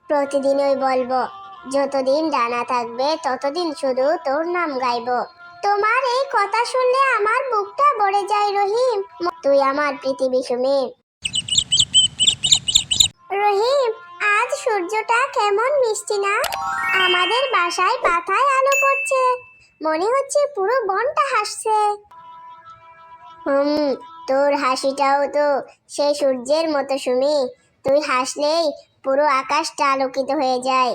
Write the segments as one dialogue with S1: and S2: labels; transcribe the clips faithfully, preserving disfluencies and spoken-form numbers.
S1: প্রতিদিনই বলবো, যতদিন ডানা থাকবে ততদিন শুধু তোর নাম গাইবো। তোমার এই কথা শুনলে আমার বুকটা ভরে যায় রহিম। তুই আমার পৃথিবী সুমি। রহিম, আজ সূর্যটা কেমন মিষ্টি না? আমাদের বাসায় পাতায় আলো পড়ছে, মনে হচ্ছে পুরো বনটা হাসছে। হুম, তোর হাসিটাও তো সেই সূর্যের মতো সুমি। তুই হাসলেই পুরো আকাশটা আলোকিত হয়ে যায়।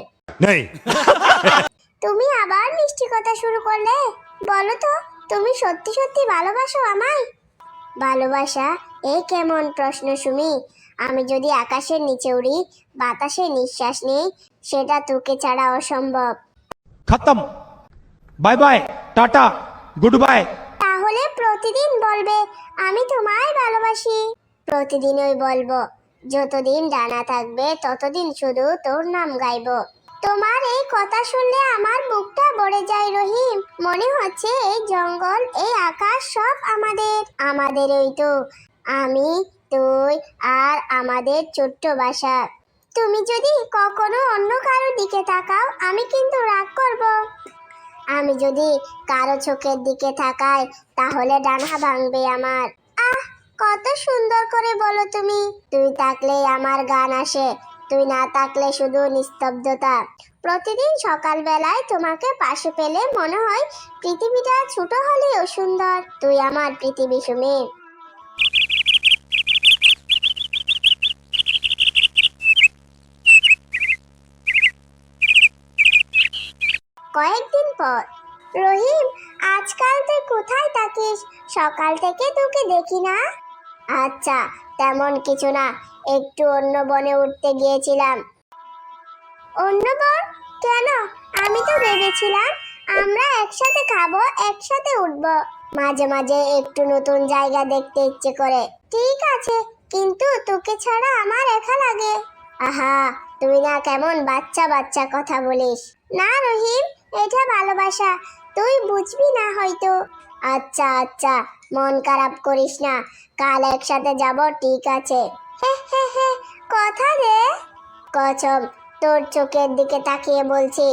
S1: তুমি আবার মিষ্টি কথা শুরু করলে। বলো তো, তুমি সত্যি সত্যি ভালোবাসো আমায়? ভালোবাসা? এই কেমন প্রশ্ন সুমি। আমি যদি আকাশের নিচে উড়ি, বাতাসে নিঃশ্বাস নেই, সেটা তোকে ছাড়া অসম্ভব।
S2: খতম। Bye bye, tata, good bye.
S1: তাহলে প্রতিদিন বলবে আমি তোমায় ভালোবাসি। প্রতিদিনই বলবো, যতদিন ডানা থাকবে ততদিন শুধু তোর নাম গাইবো। তোমার এই কথা শুনলে আমার বুকটা ভরে যায় রহিম। মনে হচ্ছে এই জঙ্গল, এই আকাশ সব আমাদের। আমাদেরই তো, আমি, তুই আর আমাদের ছোট্ট বাসা। তুমি যদি কখনো অন্য কারোর দিকে তাকাও, আমি কিন্তু রাগ করব। আমি যদি কারো চোখের দিকে তাকাই, তাহলে ডানা ভাঙবে আমার। আহ, কত সুন্দর করে বলো তুমি। তুই থাকলেই আমার গান আসে, তুই না থাকলে শুধু নিস্তব্ধতা। প্রতিদিন সকালবেলায় তোমাকে পাশে পেলে মনে হয় পৃথিবীটা ছোট হলেও সুন্দর। তুই আমার পৃথিবী সুমি। কয়েকদিন পর। রহিম, আজকাল তুই কোথায় থাকিস? সকাল থেকে তোকে দেখি না। আচ্ছা, তেমন কিছু না, একটু অন্য বনে উঠতে গিয়েছিলাম। অন্য বন? কেন? আমি তো ভেবেছিলাম আমরা একসাথে খাবো, একসাথে উঠবো। মাঝে মাঝে একটু নতুন জায়গা দেখতে ইচ্ছে করে। ঠিক আছে, কিন্তু তোকে ছাড়া আমার একা লাগে। আহা, তুই না কেমন বাচ্চা বাচ্চা কথা বলিস। না রহিম, এটা ভালোবাসা, তুই বুঝবি না হয়তো। আচ্ছা আচ্ছা, মন খারাপ করিস না, কাল একসাথে যাব, ঠিক আছে? হে হে হে, কথা দে। কসম, তোর চোখের দিকে তাকিয়ে বলছি।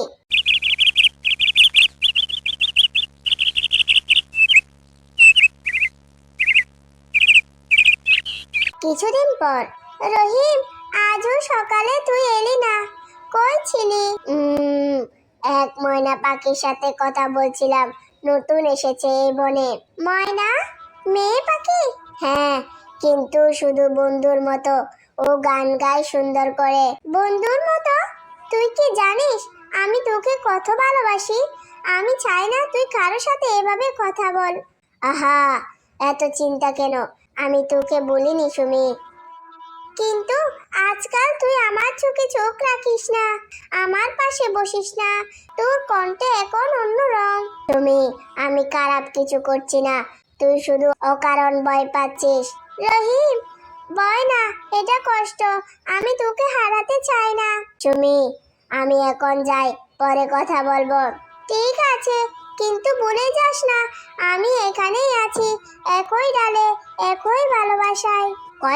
S1: কিছুদিন পর। রহিম, আজও সকালে তুই এলি না, কই ছিলি? উম, এক ময়না পাখির সাথে কথা বলছিলাম, নতুন এসেছে এই বনে। ময়না? মেয়ে পাখি? হ্যাঁ, কিন্তু শুধু বন্ধুর মতো। ও গান গায় সুন্দর করে। বন্ধুর মতো? তুই কি জানিস আমি তোকে কত ভালোবাসি? আমি চাই না তুই কারো সাথে এভাবে কথা বল। আহা, এত চিন্তা কেন? আমি তোকে বলিনি সুমি। কিন্তু আজকাল তুই আমার চোখে চোখ রাখিস না, আমার পাশে বসিস না, তোর কণ্ঠে এখন অন্য রং। তুমি, আমি খারাপ কিছু করছি না, তুই শুধু অকারণ ভয় পাচ্ছিস। রহিম, ভয় না, এটা কষ্ট। আমি তোকে হারাতে চাই না। সুমি, আমি এখন যাই, পরে কথা বলবো। ঠিক আছে, কিন্তু ভুলে যাস না আমি এখানেই আছি, একই ডালে, একই ভালোবাসায়।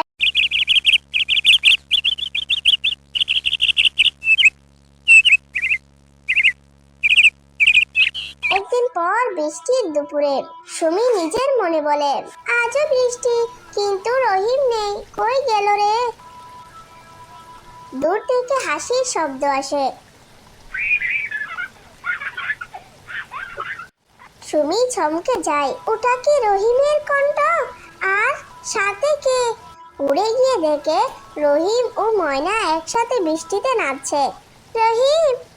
S1: একদিন পর বৃষ্টির দুপুরে। সুমি নিজের মনে বলে, আজও বৃষ্টি, কিন্তু রহিম নেই, কই গেল রে? দূর থেকে হাসির শব্দ আসে। সুমি চমকে যায়, ওটা কি রহিমের কণ্ঠ? আর সাথে কে? উড়ে গিয়ে দেখে রহিম ও ময়না একসাথে বৃষ্টিতে নাচছে। রহিম,